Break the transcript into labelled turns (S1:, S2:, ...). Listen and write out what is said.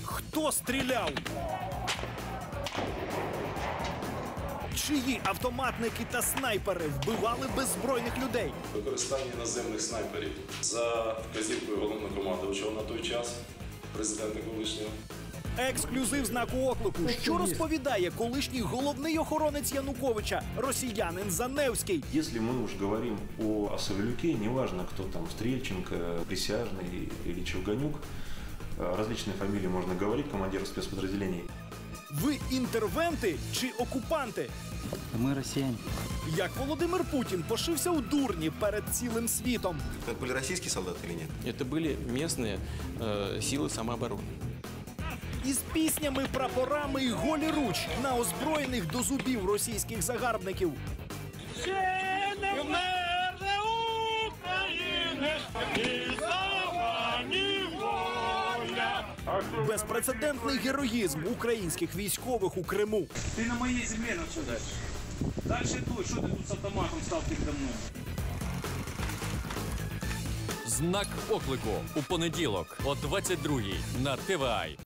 S1: Хто стріляв? Чиї автоматники та снайпери вбивали беззбройних людей?
S2: Використання наземних снайперів за вказівкою головнокомандувача на той час, президента колишнього.
S1: Ексклюзив знаку оклику. Що розповідає колишній головний охоронець Януковича, росіянин Заневський?
S3: Если мы уж говорим о Савелюке, неважно, кто там, Стрельченко, Присяжный или Чевганюк, различные фамилии можно говорить, командир спецподразделений.
S1: Ви інтервенти чи окупанти?
S4: Мы россияне.
S1: Як Володимир Путін пошився у дурні перед цілим світом?
S5: Это были российские солдаты или нет?
S6: Это были местные силы самообороны.
S1: Із піснями, прапорами і голі руч на озброєних до зубів російських загарбників. Безпрецедентний героїзм українських військових у Криму.
S7: Ты на моей земле на все дальше. Дальше той, что ты тут с автоматом стал передо мной?
S8: Знак оклику у понеділок о 22-й на ТВА.